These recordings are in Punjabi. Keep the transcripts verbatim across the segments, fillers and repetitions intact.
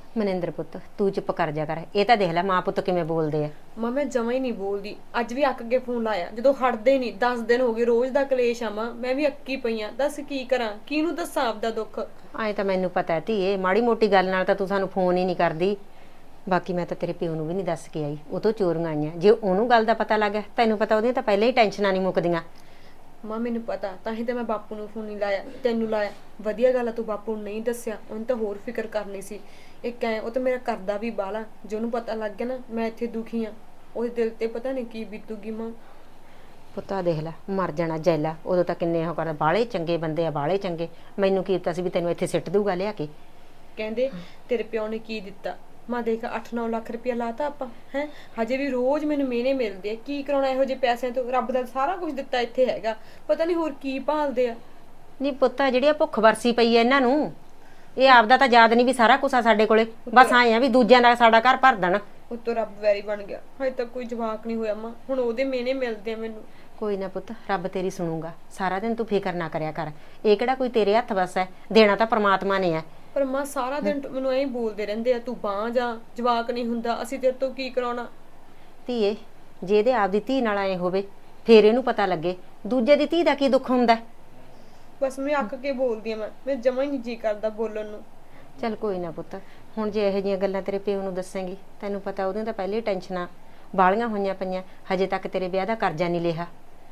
ਮਨਿੰਦਰ ਪੁੱਤ ਤੂੰ ਚੁੱਪ ਕਰ ਜਾ ਕਰ। ਇਹ ਤਾਂ ਦੇਖ ਲੈ ਮਾਂ ਪੁੱਤ ਕਿਵੇਂ ਬੋਲਦੇ ਆ। ਮਾਂ ਮੈਂ ਜਮਾਂ ਹੀ ਨਹੀਂ ਬੋਲਦੀ। ਅੱਜ ਵੀ ਅੱਕ ਕੇ ਫੋਨ ਲਾਇਆ ਜਦੋਂ ਹਟਦੇ ਨਹੀਂ। ਦਸ ਦਿਨ ਹੋ ਗਏ ਰੋਜ਼ ਦਾ ਕਲੇਸ਼ ਆ ਮਾਂ। ਮੈਂ ਵੀ ਅੱਕੀ ਪਈ ਆ। ਦੱਸ ਕੀ ਕਰਾਂ, ਕਿਹਨੂੰ ਦੱਸਾਂ ਆਪਦਾ ਦੁੱਖ। ਐਂ ਤਾਂ ਮੈਨੂੰ ਪਤਾ ਹੈ ਧੀਏ, ਮਾੜੀ ਮੋਟੀ ਗੱਲ ਨਾਲ ਤਾਂ ਤੂੰ ਸਾਨੂੰ ਫੋਨ ਹੀ ਨਹੀਂ ਕਰਦੀ। ਬਾਕੀ ਮੈਂ ਤਾਂ ਤੇਰੇ ਪਿਓ ਨੂੰ ਵੀ ਨਹੀਂ ਦੱਸ ਕੇ ਆਈ, ਉਹ ਤੋਂ ਚੋਰੀਆਂ ਆਈਆਂ। ਜੇ ਉਹਨੂੰ ਗੱਲ ਦਾ ਪਤਾ ਲੱਗ ਗਿਆ, ਤੈਨੂੰ ਪਤਾ ਉਹਦੀਆਂ ਤਾਂ ਪਹਿਲਾਂ ਹੀ ਟੈਨਸ਼ਨਾਂ ਨਹੀਂ ਮੁੱਕਦੀਆਂ। ਮਾਂ ਮੈਨੂੰ ਪਤਾ, ਤਾਂ ਹੀ ਤਾਂ ਮੈਂ ਬਾਪੂ ਨੂੰ ਫੋਨ ਨਹੀਂ ਲਾਇਆ, ਤੈਨੂੰ ਲਾਇਆ। ਵਧੀਆ ਗੱਲ ਆ ਤੂੰ ਬਾਪੂ ਨੂੰ ਨਹੀਂ ਦੱਸਿਆ, ਉਹਨੂੰ ਤਾਂ ਹੋਰ ਫਿਕਰ ਕਰਨੀ ਸੀ। ਇੱਕ ਐ ਉਹ ਤਾਂ ਮੇਰਾ ਕਰਦਾ ਵੀ ਬਾਲਾ, ਜੇ ਉਹਨੂੰ ਪਤਾ ਲੱਗ ਗਿਆ ਨਾ ਮੈਂ ਇੱਥੇ ਦੁਖੀ ਆ, ਉਹਦੇ ਦਿਲ ਤੇ ਪਤਾ ਨਹੀਂ ਕੀ ਬੀਤੂਗੀ ਮਾਂ। ਪੁੱਤਾ ਦੇਖ ਲੈ ਮਰ ਜਾਣਾ ਜੈਲਾ। ਉਦੋਂ ਤਾਂ ਕਿੰਨੇ ਉਹ ਕਰ ਬਾਲੇ ਚੰਗੇ ਬੰਦੇ ਆ, ਬਾਲੇ ਚੰਗੇ। ਮੈਨੂੰ ਕੀ ਪਤਾ ਸੀ ਵੀ ਤੈਨੂੰ ਇੱਥੇ ਸਿੱਟ ਦੂਗਾ ਲਿਆ ਕੇ। ਕਹਿੰਦੇ ਤੇਰੇ ਪਿਓ ਨੇ ਕੀ ਦਿੱਤਾ। ਮਾਂ ਦੇਖ ਅੱਠ ਨੌ ਲੱਖ ਰੁਪਇਆ ਲਾਤਾ ਆਪਾਂ ਹੈ। ਹਜੇ ਵੀ ਰੋਜ਼ ਮੈਨੂੰ ਮਿਹਨੇ ਮਿਲਦੇ ਆ। ਕੀ ਕਰਾਉਣਾ ਇਹੋ ਜਿਹੇ ਪੈਸਿਆਂ ਤੋਂ। ਰੱਬ ਦਾ ਸਾਰਾ ਕੁਝ ਦਿੱਤਾ ਇੱਥੇ ਹੈਗਾ, ਪਤਾ ਨਹੀਂ ਹੋਰ ਕੀ ਭਾਲਦੇ ਆ। ਨਹੀਂ ਪੁੱਤਾ ਜਿਹੜੀ ਆ ਭੁੱਖ ਵਰਸੀ ਪਈ ਐ ਇਹਨਾਂ ਨੂੰ, ਇਹ ਆਪਦਾ ਤਾਂ ਯਾਦ ਨਹੀਂ ਵੀ ਸਾਰਾ ਕੁਛ ਆ ਸਾਡੇ ਕੋਲੇ। ਬਸ ਆਏ ਆ ਵੀ ਦੂਜਿਆਂ ਦਾ ਸਾਡਾ ਘਰ ਭਰ ਦੇਣ। ਉੱਤੋਂ ਰੱਬ ਵੈਰੀ ਬਣ ਗਿਆ। ਹਜੇ ਤੱਕ ਕੋਈ ਜਵਾਕ ਨਹੀਂ ਹੋਇਆ ਮਾਂ, ਹੁਣ ਉਹਦੇ ਮਿਹਨੇ ਮਿਲਦੇ ਆ ਮੈਨੂੰ। ਕੋਈ ਨਾ ਪੁੱਤ, ਰੱਬ ਤੇਰੀ ਸੁਣੂਗਾ। ਸਾਰਾ ਦਿਨ ਤੂੰ ਫਿਕਰ ਨਾ ਕਰਿਆ ਕਰ। ਇਹ ਕਿਹੜਾ ਕੋਈ ਤੇਰੇ ਹੱਥ ਵਸ ਹੈ, ਦੇਣਾ ਤਾਂ ਪ੍ਰਮਾਤਮਾ ਨੇ ਹੈ। ਪਰ ਮਾਂ ਸਾਰਾ ਦਿਨ ਮੈਨੂੰ ਐਂ ਬੋਲਦੇ ਰਹਿੰਦੇ ਆ, ਤੂੰ ਬਾਂਹ ਜਾ, ਜਵਾਕ ਨਹੀਂ ਹੁੰਦਾ, ਅਸੀਂ ਤੇਰੇ ਤੋਂ ਕੀ ਕਰਾਉਣਾ। ਧੀਏ ਜੇ ਇਹਦੇ ਆਪਦੀ ਧੀ ਨਾਲ ਆਏ ਹੋਵੇ ਫੇਰ ਇਹਨੂੰ ਪਤਾ ਲੱਗੇ ਦੂਜੇ ਦੀ ਧੀ ਦਾ ਕੀ ਦੁੱਖ ਹੁੰਦਾ। ਬਸ ਮੈਂ ਅੱਕ ਕੇ ਬੋਲਦੀ ਆ। ਮੈਂ ਮੈਂ ਜਮਾਂ ਹੀ ਨਹੀਂ ਜੀ ਕਰਦਾ ਬੋਲਣ ਨੂੰ। ਚੱਲ ਕੋਈ ਨਾ ਪੁੱਤ, ਹੁਣ ਜੇ ਇਹੋ ਜਿਹੀਆਂ ਗੱਲਾਂ ਤੇਰੇ ਪਿਓ ਨੂੰ ਦੱਸੇਂਗੀ, ਤੈਨੂੰ ਪਤਾ ਉਹਦੀਆਂ ਤਾਂ ਪਹਿਲੇ ਟੈਨਸ਼ਨਾਂ ਬਾਲੀਆਂ ਹੋਈਆਂ ਪਈਆਂ। ਹਜੇ ਤੱਕ ਤੇਰੇ ਵਿਆਹ ਦਾ ਕਰਜ਼ਾ ਨਹੀਂ ਲਿਆ।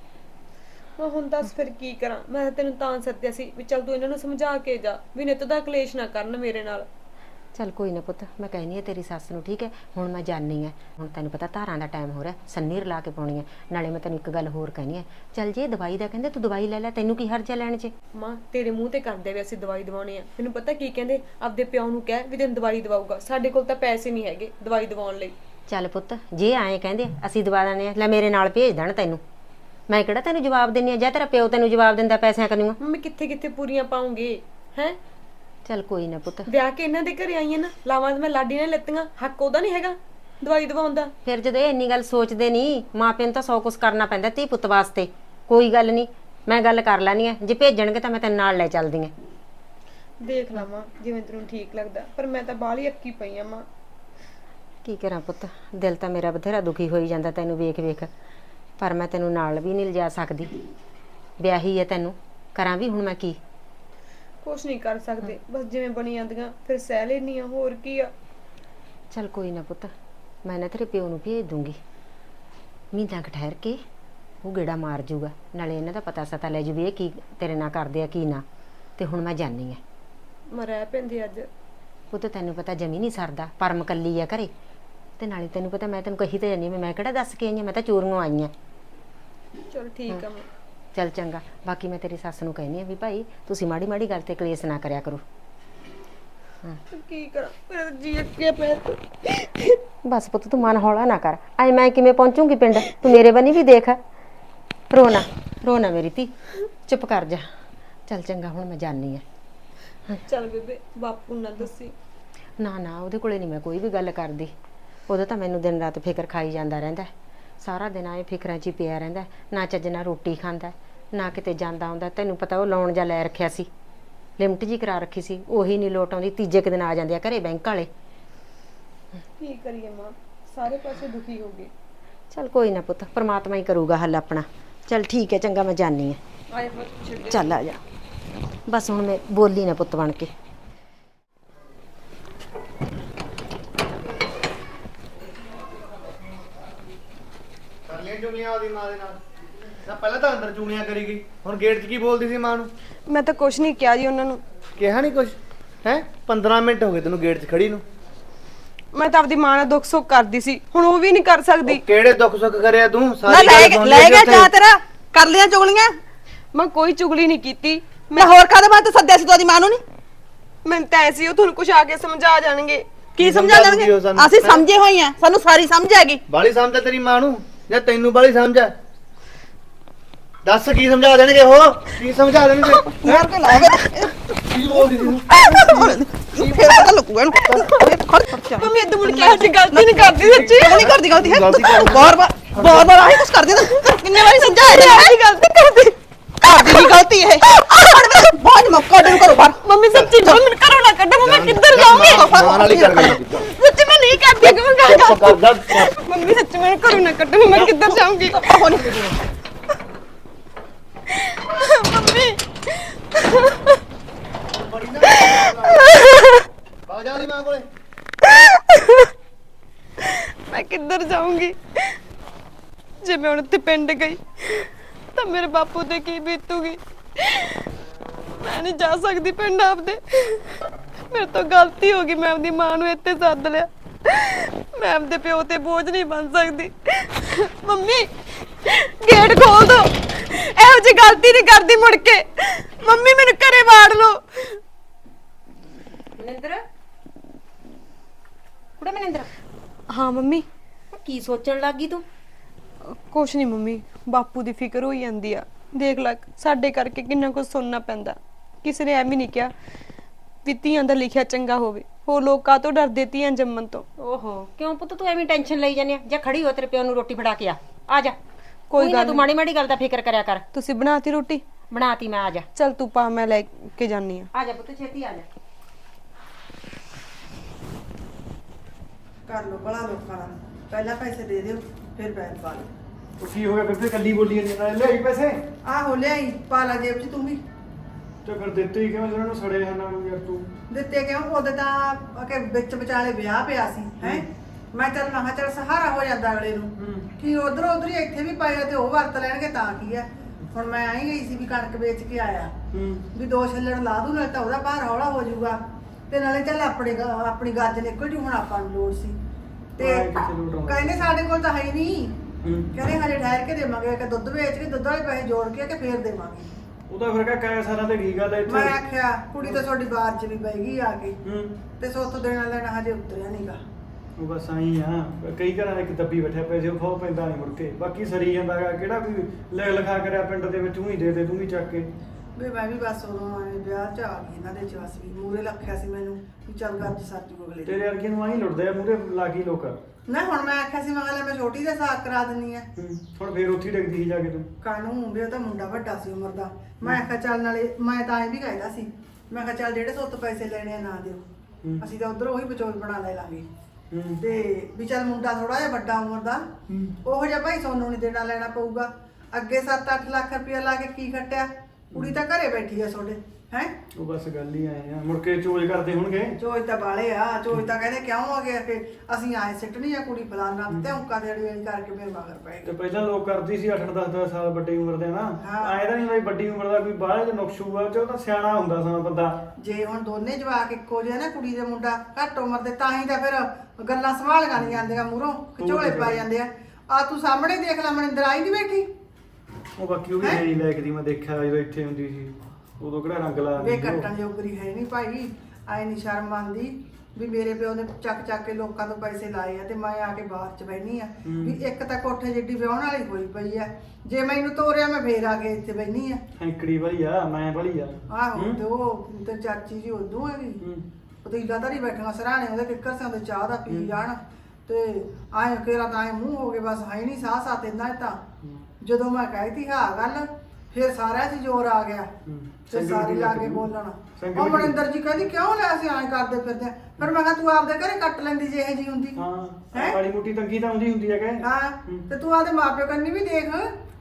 ਮੈਂ ਹੁਣ ਦੱਸ ਫਿਰ ਕੀ ਕਰਾਂ। ਮੈਂ ਤੈਨੂੰ ਤਾਂ ਸੱਦਿਆ ਸੀ ਵੀ ਚੱਲ ਤੂੰ ਇਹਨਾਂ ਨੂੰ ਸਮਝਾ ਕੇ ਜਾ ਵੀ ਨਿੱਤ ਦਾ ਕਲੇਸ਼ ਨਾ ਕਰਨ ਮੇਰੇ ਨਾਲ। ਚੱਲ ਕੋਈ ਨਾ ਪੁੱਤ, ਮੈਂ ਕਹਿੰਦੀ ਆ ਤੇਰੀ ਸੱਸ ਨੂੰ, ਠੀਕ ਹੈ। ਹੁਣ ਮੈਂ ਜਾਣੀ ਆ, ਹੁਣ ਤੈਨੂੰ ਪਤਾ ਧਾਰਾਂ ਦਾ ਟਾਈਮ ਹੋ ਰਿਹਾ, ਸੰਨੀ ਰਲਾ ਕੇ ਪਾਉਣੀ ਹੈ। ਨਾਲੇ ਮੈਂ ਤੈਨੂੰ ਇੱਕ ਗੱਲ ਹੋਰ ਕਹਿਣੀ ਹੈ, ਚੱਲ ਜੇ ਦਵਾਈ ਦਾ ਕਹਿੰਦੇ ਤੂੰ ਦਵਾਈ ਲੈ ਲੈ, ਤੈਨੂੰ ਕੀ ਹਰਜਾ ਲੈਣ 'ਚ। ਮਾਂ ਤੇਰੇ ਮੂੰਹ ਤੇ ਕਰਦੇ ਵੀ ਅਸੀਂ ਦਵਾਈ ਦਵਾਉਣੀ ਆ। ਮੈਨੂੰ ਪਤਾ ਕੀ ਕਹਿੰਦੇ, ਆਪਦੇ ਪਿਓ ਨੂੰ ਕਹਿ ਵੀ ਤੈਨੂੰ ਦਵਾਈ ਦਵਾਊਗਾ। ਸਾਡੇ ਕੋਲ ਤਾਂ ਪੈਸੇ ਨਹੀਂ ਹੈਗੇ ਦਵਾਈ ਦਵਾਉਣ ਲਈ। ਚੱਲ ਪੁੱਤ ਜੇ ਆਏ ਕਹਿੰਦੇ ਅਸੀਂ ਦਵਾ ਦਿੰਦੇ ਆ, ਲੈ ਮੇਰੇ ਨਾਲ ਭੇਜ ਦੇਣ ਤੈਨੂੰ। ਮੈਂ ਕਿਹੜਾ ਤੈਨੂੰ ਜਵਾਬ ਦਿੰਨੀ ਆ, ਜਾਂ ਤੇਰਾ ਪਿਓ ਤੈਨੂੰ ਜਵਾਬ ਦਿੰਦਾ ਪੈਸਿਆਂ ਕਨੂੰ। ਮੰਮੀ ਕਿੱਥੇ ਕਿੱਥੇ ਪੂਰੀਆਂ ਪਾਉਂਗੇ ਹੈ। ਚੱਲ ਕੋਈ ਨਾ ਪੁੱਤ, ਵਿਆਹ ਕੇ ਇਹਨਾਂ ਦੇ ਘਰੇ ਆਈਆਂ ਨਾ, ਲਾਵਾਂ ਮੈਂ ਲਾਡੀ ਨੇ ਲੱਤੀਆਂ, ਹੱਕ ਉਹਦਾ ਨਹੀਂ ਹੈਗਾ ਦਵਾਈ ਦਵਾਉਣ ਦਾ। ਫਿਰ ਜਦੋਂ ਇਹ ਇੰਨੀ ਗੱਲ ਸੋਚਦੇ ਨਹੀਂ, ਮਾਂ ਪਿਓ ਨੂੰ ਤਾਂ ਸੌ ਕੁਛ ਕਰਨਾ ਪੈਂਦਾ ਧੀ ਪੁੱਤ ਵਾਸਤੇ। ਕੋਈ ਗੱਲ ਨਹੀਂ, ਮੈਂ ਗੱਲ ਕਰ ਲੈਣੀ ਆ। ਜੇ ਭੇਜਣਗੇ ਤਾਂ ਮੈਂ ਤੈਨੂੰ ਨਾਲ ਲੈ ਚੱਲਦੀ ਆ। ਦੇਖ ਲਵਾਂ ਜਿਵੇਂ ਤੈਨੂੰ ਠੀਕ ਲੱਗਦਾ, ਪਰ ਮੈਂ ਤਾਂ ਬਾਹਲੀ ਅੱਕੀ ਪਈ ਆ ਮਾਂ। ਕੀ ਕਰਾਂ ਪੁੱਤ, ਦਿਲ ਤਾਂ ਮੇਰਾ ਬਥੇਰਾ ਦੁਖੀ ਹੋਈ ਜਾਂਦਾ ਤੈਨੂੰ ਵੇਖ ਵੇਖ, ਪਰ ਮੈਂ ਤੈਨੂੰ ਨਾਲ ਵੀ ਨਹੀਂ ਲਿਜਾ ਸਕਦੀ। ਵਿਆਹੀ ਹੈ ਤੈਨੂੰ, ਕਰਾਂ ਵੀ ਹੁਣ ਮੈਂ ਕੀ। ਕੁਛ ਨਹੀਂ ਕਰ ਸਕਦੇ, ਬਸ ਜਿਵੇਂ ਬਣੀ ਜਾਂਦੀਆਂ ਫਿਰ ਸਹਿ ਲੈਣੀ ਆ, ਹੋਰ ਕੀ ਆ। ਚੱਲ ਕੋਈ ਨਾ ਪੁੱਤ, ਮੈਂ ਨਾ ਤੇਰੇ ਪਿਓ ਨੂੰ ਭੇਜ ਦੂੰਗੀ। ਮਹੀਨਾ ਕੁ ਠਹਿਰ ਕੇ ਉਹ ਗੇੜਾ ਮਾਰ ਜੂਗਾ, ਨਾਲੇ ਇਹਨਾਂ ਦਾ ਪਤਾ ਸਤਾ ਲੈ ਜੂ ਵੀ ਇਹ ਕੀ ਤੇਰੇ ਨਾਲ ਕਰਦੇ ਆ ਕੀ ਨਾ। ਤੇ ਹੁਣ ਮੈਂ ਜਾਣੀ ਆ। ਮੈਂ ਰਹਿ ਪੈਂਦੀ ਅੱਜ। ਪੁੱਤ ਤੈਨੂੰ ਪਤਾ ਜਮੀ ਨਹੀਂ ਸਰਦਾ, ਪਰਮ ਕੱਲੀ ਆ ਘਰੇ। ਤੇ ਨਾਲੇ ਤੈਨੂੰ ਪਤਾ ਮੈਂ ਤੈਨੂੰ ਕਹੀ ਤਾਂ ਜਾਂਦੀ, ਮੈਂ ਕਿਹੜਾ ਦੱਸ ਕੇ ਆਈ ਆ, ਮੈਂ ਤਾਂ ਚੋਰੀਆਂ ਆਈ ਆ। ਚਲ ਠੀਕ ਆ। ਮੈਂ ਚੱਲ ਚੰਗਾ। ਬਾਕੀ ਮੈਂ ਤੇਰੀ ਸੱਸ ਨੂੰ ਕਹਿੰਦੀ ਆ ਵੀ ਭਾਈ ਤੁਸੀਂ ਮਾੜੀ ਮਾੜੀ ਗੱਲ ਤੇ ਕਲੇਸ਼ ਨਾ ਕਰਿਆ ਕਰੋ। ਕੀ ਕਰਾਂ, ਮੇਰਾ ਜੀ ਅੱਕਿਆ ਪਿਆ। ਬਸ ਪੁੱਤ ਤੂੰ ਮਨ ਹੌਲਾ ਨਾ ਕਰ। ਐ ਮੈਂ ਕਿਵੇਂ ਪਹੁੰਚੂਗੀ ਪਿੰਡ, ਤੂੰ ਮੇਰੇ ਬੰਨੀ ਵੀ ਦੇਖ। ਰੋਣਾ ਰੋਣਾ ਮੇਰੀ ਧੀ, ਚੁੱਪ ਕਰ ਜਾ। ਚੱਲ ਚੰਗਾ, ਹੁਣ ਮੈਂ ਜਾਣੀ ਆ। ਚੱਲ ਬੇਬੇ ਬਾਪੂ ਨਾ ਦੱਸੀ। ਨਾ ਨਾ ਉਹਦੇ ਕੋਲੇ ਨਹੀਂ ਮੈਂ ਕੋਈ ਵੀ ਗੱਲ ਕਰਦੀ। ਉਹਦਾ ਤਾਂ ਮੈਨੂੰ ਦਿਨ ਰਾਤ ਫਿਕਰ ਖਾਈ ਜਾਂਦਾ ਰਹਿੰਦਾ। ਸਾਰਾ ਦਿਨ ਆਏ ਫਿਕਰਾਂ 'ਚ ਹੀ ਪਿਆ ਰਹਿੰਦਾ। ਨਾ ਚੱਜ ਨਾਲ ਰੋਟੀ ਖਾਂਦਾ, ਨਾ ਕਿਤੇ ਜਾਂਦਾ ਆਉਂਦਾ। ਤੈਨੂੰ ਪਤਾ ਉਹ ਲੋਨ ਜਾ ਲੈ ਰੱਖਿਆ ਸੀ, ਲਿਮਟ ਜੀ ਕਰਾ ਰੱਖੀ ਸੀ, ਉਹੀ ਨਹੀਂ ਲੋਟ ਆਉਂਦੀ। ਤੀਜੇ ਕੁ ਦਿਨ ਆ ਜਾਂਦੇ ਆ ਘਰੇ ਬੈਂਕ ਵਾਲੇ। ਕੀ ਕਰੀਏ ਮਾਂ, ਸਾਰੇ ਪਾਸੇ ਦੁਖੀ ਹੋ ਗਏ। ਚੱਲ ਕੋਈ ਨਾ ਪੁੱਤ, ਪ੍ਰਮਾਤਮਾ ਹੀ ਕਰੂਗਾ ਹੱਲ ਆਪਣਾ। ਚੱਲ ਠੀਕ ਹੈ, ਚੰਗਾ ਮੈਂ ਜਾਣੀ ਆ। ਆਏ ਪੁੱਤ ਛੱਡ। ਚੱਲ ਆ ਜਾ। ਬਸ ਹੁਣ ਮੈਂ ਬੋਲੀ ਨਾ ਪੁੱਤ ਬਣ ਕੇ। ਕਰ ਲਿਆ ਚੁਗਲੀਆਂ ਉਹਦੀ ਮਾਂ ਦੇ ਨਾਲ ਨਾ। ਪਹਿਲਾਂ ਤਾਂ ਅੰਦਰ ਚੁਗਲੀਆਂ ਕਰੀ ਗਈ, ਹੁਣ ਗੇਟ 'ਚ ਕੀ ਬੋਲਦੀ ਸੀ ਮਾਂ ਨੂੰ। ਮੈਂ ਤਾਂ ਕੁਛ ਨਹੀਂ ਕਿਹਾ ਜੀ ਉਹਨਾਂ ਨੂੰ। ਕਿਹਾ ਨਹੀਂ ਕੁਛ ਹੈ। ਪੰਦਰਾਂ ਮਿੰਟ ਹੋ ਗਏ ਤੈਨੂੰ ਗੇਟ 'ਚ ਖੜੀ ਨੂੰ। ਮੈਂ ਤਾਂ ਆਪਦੀ ਮਾਂ ਨਾਲ ਦੁੱਖ ਸੁੱਖ ਕਰਦੀ ਸੀ, ਹੁਣ ਉਹ ਵੀ ਨਹੀਂ ਕਰ ਸਕਦੀ। ਉਹ ਕਿਹੜੇ ਦੁੱਖ ਸੁੱਖ ਕਰਿਆ ਤੂੰ? ਨਾ ਸਾਰੀ ਲੈ ਗੱਲ ਗਿਆ ਸੁਣ ਲੈ ਲਈ ਗਿਆ ਉੱਥੇ। ਜਾ ਤੇਰਾ ਕਰ ਲਿਆ ਚੁਗਲੀਆਂ। ਮੈਂ ਕੋਈ ਚੁਗਲੀ ਨਹੀਂ ਕੀਤੀ। ਮੈਂ ਹੋਰ ਕਾਹਦੇ ਬਾਤ ਸੱਦਿਆ ਸੀ ਤੁਹਾਡੀ ਮਾਂ ਨੂੰ? ਨਹੀਂ ਮੈਂ ਤਾਂ ਐਸੀ ਉਹ ਤੁਹਾਨੂੰ ਕੁਛ ਆ ਕੇ ਸਮਝਾ ਜਾਣਗੇ। ਕੀ ਸਮਝਾ ਦੇਣਗੇ? ਉਹ ਸਾਨੂੰ? ਅਸੀਂ ਸਮਝੇ ਹੋਏ ਆ, ਸਾਨੂੰ ਸਾਰੀ ਸਮਝ ਹੈਗੀ। ਬਾਲੀ ਸਮਝ ਆ ਤੇਰੀ ਮਾਂ ਨੂੰ ਜਾਂ ਤੈਨੂੰ ਬਾਲੀ ਸਮਝ ਆ? ਦੱਸ ਕੀ ਸਮਝਾ ਦੇਣਗੇ ਉਹ? ਕੀ ਸਮਝਾ ਦੇਣਗੇ? ਮਾਰ ਕੇ ਲਾਏਗਾ ਕੀ ਬੋਲਦੀ ਸੀ? ਫੇਰ ਪਤਾ ਲੱਗੂਗਾ ਇਹਨੂੰ। ਖੜ ਖੜ ਮੰਮੀ ਇਦਾਂ ਮੁੜ ਕੇ ਅੱਜ ਗਲਤੀ ਨਹੀਂ ਕਰਦੀ ਸੱਚੀ। ਨਹੀਂ ਕਰਦੀ ਗਲਤੀ ਹੈ। ਗਲਤੀ ਕਰ- ਬਾਰ ਬਾਰ ਬਾਰ ਬਾਰ ਆਹੀ ਕੁਛ ਕਰਦੀ ਨਾ। ਕਿੰਨੇ ਵਾਰੀ ਸਮਝਾਇਆ ਅੱਜ ਗਲਤੀ ਕਰਦੀ। ਆਪਦੀ ਵੀ ਗਲਤੀ ਹੈ ਬਹੁਤ ਮੌਕਾ ਦੇ ਕਰੋ ਬਾਹਰ ਮੰਮੀ ਸੱਚੀ ਜੋ ਮੈਨੂੰ ਘਰੋਂ ਨਾ ਕੱਢੋ ਮੈਂ ਕਿੱਧਰ ਜਾਊਂਗੀ ਮਾਂ ਨਾਲ ਹੀ ਕਰ ਗਈ ਸੱਚੀ ਮੈਂ ਨਹੀਂ ਕਰਦੀ ਕਿ ਮੈਂ ਚੁੱਪ ਕਰ ਜਾ ਮੰਮੀ ਸੱਚੀ ਮੈਨੂੰ ਘਰੋਂ ਨਾ ਕੱਢੋ ਮੈਂ ਕਿੱਧਰ ਜਾਊਂਗੀ ਮੰਮੀ ਬਾਜਾ ਦੀ ਮਾਂ ਕੋਲੇ ਮੈਂ ਕਿੱਧਰ ਜਾਊਂਗੀ ਜੇ ਮੈਂ ਹੁਣ ਉੱਥੇ ਪਿੰਡ ਗਈ ਤਾਂ ਮੇਰੇ ਬਾਪੂ ਤੇ ਕੀ ਬੀਤੂਗੀ ਮੈਂ ਨਹੀਂ ਜਾ ਸਕਦੀ ਪਿੰਡ ਆਪਦੇ ਮੇਰੇ ਤੋਂ ਗਲਤੀ ਹੋ ਗਈ ਮੈਂ ਆਪਦੀ ਮਾਂ ਨੂੰ ਇੱਥੇ ਸੱਦ ਲਿਆ ਮੈਂ ਆਪਦੇ ਪਿਓ ਤੇ ਬੋਝ ਨਹੀਂ ਬਣ ਸਕਦੀ ਮੰਮੀ ਗੇਟ ਖੋਲ ਦੋ ਇਹੋ ਜਿਹੀ ਗਲਤੀ ਨਹੀਂ ਕਰਦੀ ਮੁੜ ਕੇ ਮੰਮੀ ਮੈਨੂੰ ਘਰੇ ਵਾੜ ਲਓ ਮਨਿੰਦਰ ਕੁੜੇ ਮਨਿੰਦਰ ਹਾਂ ਮੰਮੀ ਕੀ ਸੋਚਣ ਲੱਗੀ ਤੂੰ ਕੁਛ ਨਹੀਂ ਮੰਮੀ ਬਾਪੂ ਦੀ ਫਿਕਰ ਹੋਈ ਜਾਂਦੀ ਆ ਦੇਖ ਲੈ ਸਾਡੇ ਕਰਕੇ ਕਿੰਨਾ ਕੁਝ ਸੁਣਨਾ ਪੈਂਦਾ ਕਿਸੇ ਨੇ ਐਵੇਂ ਨਹੀਂ ਕਿਹਾ ਵੀ ਧੀਆਂ ਦਾ ਲਿਖਿਆ ਚੰਗਾ ਹੋਵੇ ਹੋਰ ਲੋਕ ਕਾਹਤੋਂ ਡਰਦੇ ਧੀਆਂ ਜੰਮਣ ਤੋਂ ਓਹੋ ਕਿਉਂ ਪੁੱਤ ਤੂੰ ਐਵੇਂ ਟੈਨਸ਼ਨ ਲਈ ਜਾਂਦੀ ਆ ਜਾਂ ਖੜੀ ਹੋ ਤੇਰੇ ਪਿਓ ਨੂੰ ਰੋਟੀ ਫੜਾ ਕੇ ਆ ਆ ਜਾ ਕੋਈ ਕੋਈ ਨਾ ਗੱਲ ਤੂੰ ਮਾੜੀ ਮਾੜੀ ਗੱਲ ਦਾ ਫਿਕਰ ਕਰਿਆ ਕਰ ਤੁਸੀਂ ਬਣਾਤੀ ਰੋਟੀ ਬਣਾਤੀ ਮੈਂ ਆ ਜਾ ਚਲ ਤੂੰ ਪਾ ਮੈਂ ਲੈ ਕੇ ਜਾਨੀ ਆ ਆ ਜਾ ਪੁੱਤ ਛੇਤੀ ਆ ਜਾ ਕਰ ਲੋ ਬੜਾ ਲੋਕਾਂ ਨਾਲ ਪਹਿਲਾਂ ਪੈਸੇ ਦੇ ਦਿਓ ਫਿਰ ਬੈਨ ਪਾ ਲਓ ਉਹ ਕੀ ਹੋ ਗਿਆ ਬੇਬੇ ਕੱਲੀ ਬੋਲੀ ਨਹੀਂ ਨਾਲ ਲੈ ਪੈਸੇ ਆਹੋ ਲਿਆਈ ਪਾ ਲਾ ਜੇਬ 'ਚ ਤੂੰ ਵੀ ਤੇ ਫਿਰ ਦਿੱਤੇ ਹੀ ਕਿਵੇਂ ਜਿਹਨਾਂ ਨੂੰ ਸੜੇ ਹਨਾਂ ਨੂੰ ਯਾਰ ਤੂੰ ਦਿੱਤੇ ਕਿਉਂ ਉਹਦੇ ਤਾਂ ਕਿ ਵਿੱਚ ਵਿਚਾਲੇ ਵਿਆਹ ਪਿਆ ਸੀ ਹੈ ਮੈਂ ਚੱਲ ਮੈਂ ਕਿਹਾ ਚੱਲ ਸਹਾਰਾ ਹੋ ਜਾਂਦਾ ਅਗਲੇ ਨੂੰ ਕਿ ਉਧਰ ਉਧਰ ਹੀ ਇੱਥੇ ਵੀ ਪਾਇਆ ਤੇ ਉਹ ਵਰਤ ਲੈਣਗੇ ਤਾਂ ਕੀ ਹੈ ਹੁਣ ਮੈਂ ਆਈ ਗਈ ਸੀ ਵੀ ਕਣਕ ਵੇਚ ਕੇ ਆਇਆ ਵੀ ਦੋ ਛੱਲੜ ਲਾ ਦੂ ਨਾਲ ਤਾਂ ਉਹਦਾ ਭਾਰ ਹੌਲਾ ਹੋ ਜਾਊਗਾ ਤੇ ਨਾਲੇ ਚੱਲ ਆਪਣੇ ਗ- ਆਪਣੀ ਗੱਜ ਨਿਕਲ ਜੂ ਹੁਣ ਆਪਾਂ ਨੂੰ ਲੋੜ ਸੀ ਤੇ ਆਏ ਕਿੱਥੇ ਲੋਟ ਆਉਂਦਾ? ਕਹਿੰਦੇ ਸਾਡੇ ਕੋਲ ਤਾਂ ਹੈ ਹੀ ਨਹੀਂ ਕਹਿੰਦੇ ਹਜੇ ਠਹਿਰ ਕੇ ਦੇਵਾਂਗੇ ਕਿ ਦੁੱਧ ਵੇਚ ਕੇ ਦੁੱਧ ਵਾਲੇ ਪੈਸੇ ਜੋੜ ਕੇ ਕਿ ਫੇਰ ਦੇਵਾਂਗੇ ਉਹਦਾ ਫਿਰ ਕਾ ਕਾਇਆ ਸਾਲਾਂ ਤੇ ਕੀ ਗੱਲ ਹੈ ਇੱਥੇ ਮੈਂ ਆਖਿਆ ਕੁੜੀ ਤਾਂ ਤੁਹਾਡੀ ਬਾਤ 'ਚ ਵੀ ਪੈ ਗਈ ਆ ਕੇ ਹੂੰ ਤੇ ਸੋਥੋਂ ਦੇਣਾ ਲੈਣਾ ਹਜੇ ਉਤਰਿਆ ਨਹੀਂਗਾ ਉਹ ਬਸ ਆਈ ਆ ਕਈ ਘਰਾਂ ਦੇ ਇੱਕ ਦੱਬੀ ਬੈਠਿਆ ਪੈਸੇ ਉਹ ਖੋ ਪੈਂਦਾ ਨਹੀਂ ਮੁੜ ਕੇ ਬਾਕੀ ਸਰੀ ਜਾਂਦਾ ਗਾ ਕਿਹੜਾ ਕੋਈ ਲਿਖ ਲਿਖਾ ਕਰਿਆ ਪਿੰਡ ਦੇ ਵਿੱਚ ਤੂੰ ਹੀ ਦੇ ਦੇ ਤੂੰ ਹੀ ਚੱਕ ਕੇ ਵੀ ਮੈਂ ਵੀ ਬਸ ਉਦੋਂ ਆਏ ਵਿਆਹ 'ਚ ਆ ਗਈ ਇਹਨਾਂ ਦੇ ਚਵਸ ਵੀ ਮੂਰੇ ਲੱਖਿਆ ਸੀ ਮੈਨੂੰ ਵੀ ਚੱਲ ਗੱਜ ਸੱਜੂ ਅਗਲੇ ਦੀ। ਤੇਰੇ ਵਰਗੇ ਨੂੰ ਆਈ ਲੁੱਟਦੇ ਆ ਮੂਰੇ ਲਾਗੀ ਲੋਕ ਨਾ ਹੁਣ ਮੈਂ ਆਖਿਆ ਸੀ ਮੈਂ ਕਿਹਾ ਲੈ ਮੈਂ ਛੋਟੀ ਦਾ ਸਾਕ ਕਰਾ ਦਿੰਨੀ ਆ ਹੂੰ ਹੁਣ ਫੇਰ ਉੱਥੇ ਹੀ ਡਿੱਗਦੀ ਸੀ ਜਾ ਕੇ ਤੂੰ ਕਾਨੂੰ ਵੀ ਉਹ ਤਾਂ ਮੁੰਡਾ ਵੱਡਾ ਸੀ ਉਮਰ ਦਾ ਮੈਂ ਆਖਿਆ ਚੱਲ ਨਾਲੇ ਮੈਂ ਤਾਂ ਐਂ ਵੀ ਕਹਿੰਦਾ ਸੀ ਮੈਂ ਕਿਹਾ ਚੱਲ ਜਿਹੜੇ ਸੋਤ ਪੈਸੇ ਲੈਣੇ ਆ ਨਾ ਦਿਓ ਹੂੰ। ਅਸੀਂ ਤਾਂ ਉਧਰ ਉਹੀ ਵਿਚੋਲ ਬਣਾ ਲੈ ਲਾਂਗੇ ਹੂੰ ਤੇ ਵੀ ਚੱਲ ਮੁੰਡਾ ਥੋੜਾ ਜਿਹਾ ਵੱਡਾ ਉਮਰ ਦਾ ਹੂੰ। ਉਹੋ ਜਿਹਾ ਭਾਈ ਸੋਨੂੰ ਨਹੀਂ ਦੇਣਾ ਲੈਣਾ ਪਊਗਾ ਅੱਗੇ ਸੱਤ ਅੱਠ ਲੱਖ ਰੁਪਇਆ ਲਾ ਕੇ ਕੀ ਖੱਟਿਆ ਕੁੜੀ ਤਾਂ ਘਰੇ ਬੈਠੀ ਆ ਤੁਹਾਡੇ ਹੈ ਉਹ ਬਸ ਗੱਲ ਹੀ ਆਏ ਆ ਮੁੜ ਕੇ ਚੋਜ ਕਰਦੇ ਹੋਣਗੇ ਚੋਜ ਤਾਂ ਬਾਲੇ ਆ ਚੋਜ ਤਾਂ ਕਹਿੰਦੇ ਕਿਉਂ ਆ ਗਿਆ ਕਿ ਅਸੀਂ ਆਏ ਸਿੱਟਣੀ ਆ ਕੁੜੀ ਫਲਾਨਾ ਤੇ ਔਂਕਾ ਦੇ ਅੜੀ ਕਰਕੇ ਮੇਰੇ ਮਗਰ ਪੈ ਤੇ ਗਏ ਪਹਿਲਾਂ ਲੋਕ ਕਰਦੀ ਸੀ ਅੱਠ ਦਸ ਦਸ ਸਾਲ ਵੱਡੀ ਉਮਰ ਦੇ ਨਾ ਹਾਂ। ਆਏ ਤਾਂ ਨਹੀਂ ਬਈ ਵੱਡੀ ਉਮਰ ਦਾ ਕੋਈ ਬਾਹਰ ਦੇ ਨੁਕਸ਼ੂ ਆ ਚ ਉਹ ਤਾਂ ਸਿਆਣਾ ਹੁੰਦਾ ਸਮਾਂ ਬੰਦਾ ਜੇ ਹੁਣ ਦੋਨੇ ਜਵਾਕ ਇੱਕੋ ਜਿਹੇ ਨਾ ਕੁੜੀ ਦੇ ਮੁੰਡਾ ਘੱਟ ਉਮਰ ਦੇ ਤਾਂ ਹੀ ਤਾਂ ਫਿਰ ਗੱਲਾਂ ਸੰਭਾਲੀਆਂ ਨਹੀਂ ਜਾਂਦੀਆਂ ਮੂਹਰੋਂ ਝੋਲੇ ਪੈ ਜਾਂਦੇ ਆ ਆ ਤੂੰ ਸਾਹਮਣੇ ਦੇਖ ਲੈ ਮਨਿੰਦਰ ਆਈ ਨਹੀਂ ਬੈਠੀ ਉਹ ਬਾਕੀ ਉਹ ਵੀ ਨਹੀਂ ਲੈ ਕੇ ਦੀ ਮੈਂ ਦੇਖਿਆ ਜਦੋਂ ਇੱਥੇ ਹੁੰਦੀ ਸੀ ਉਦੋਂ ਕਿਹੜਾ ਰੰਗ ਲਾ ਵੇ ਕੱਟਣ ਜੋਗਰੀ ਹੈ ਨਹੀਂ ਭਾਈ ਆਏ ਨਹੀਂ ਸ਼ਰਮ ਆਉਂਦੀ ਵੀ ਮੇਰੇ ਪਿਓ ਨੇ ਚੱਕ ਚੱਕ ਕੇ ਲੋਕਾਂ ਤੋਂ ਪੈਸੇ ਲਾਏ ਆ ਤੇ ਮੈਂ ਆ ਕੇ ਬਾਹਰ ਚ ਬੈਣੀ ਆ ਵੀ ਇੱਕ ਤਾਂ ਕੋਠੇ ਜਿੱਡੀ ਵਿਆਹਣ ਵਾਲੀ ਹੋਈ ਪਈ ਆ ਜੇ ਮੈਨੂੰ ਤੋਰਿਆ ਮੈਂ ਫੇਰ ਆ ਕੇ ਇੱਥੇ ਬੈਣੀ ਆ ਹੈਂਕੜੀ ਵਾਲੀ ਆ ਮੈਂ ਵਾਲੀ ਆ ਆਹੋ ਤੇ ਉਹ ਤੇ ਚਾਚੀ ਜੀ ਉਦੋਂ ਹੈਗੀ ਹੂੰ। ਪਤੀਲਾ ਧਰੀ ਬੈਠੀਆਂ ਸਰਾਣੇ ਉਹਦੇ ਕਿੱਕਰ ਸੇ ਉਹਦੇ ਚਾਹ ਦਾ ਪੀ ਜਾਣ ਤੇ ਆਏ ਕਿਹੜਾ ਤਾਂ ਆਏ ਮੂੰਹ ਹੋ ਗਏ ਬਸ ਹੈ ਨਹੀਂ ਸਾਹ ਸਾਹ ਤੇ ਨਾ ਤਾਂ ਜਦੋਂ ਮੈਂ ਕਹਿਤੀ ਹਾਂ ਗੱਲ ਫਿਰ ਸਾਰਿਆਂ 'ਚ ਜ਼ੋਰ ਆ ਗਿਆ ਹੂੰ। ਤੇ ਸਾਰੇ ਲਾ ਕੇ ਬੋਲਣਾ ਸੰਗਤ ਉਹ ਵੀ- ਮਨਿੰਦਰ ਜੀ ਕਹਿੰਦੀ ਕਿਉਂ ਲੈ ਅਸੀਂ ਐਂ ਕਰਦੇ ਫਿਰਦੇ ਆਂ? ਫਿਰ ਮੈਂ ਕਿਹਾ ਤੂੰ ਆਪਦੇ ਘਰੇ ਕੱਟ ਲੈਂਦੀ ਜੇ ਇਹ ਜੀ ਹੁੰਦੀ ਹਾਂ ਹੈਂ? ਮਾੜੀ ਮੋਟੀ ਤੰਗੀ ਤਾਂ ਹੁੰਦੀ ਹੁੰਦੀ ਹੈ ਕਿ ਹਾਂ ਹੂੰ। ਤੇ ਤੂੰ ਆਪਦੇ ਮਾਪਿਓ ਕੰਨੀ ਵੀ ਦੇਖ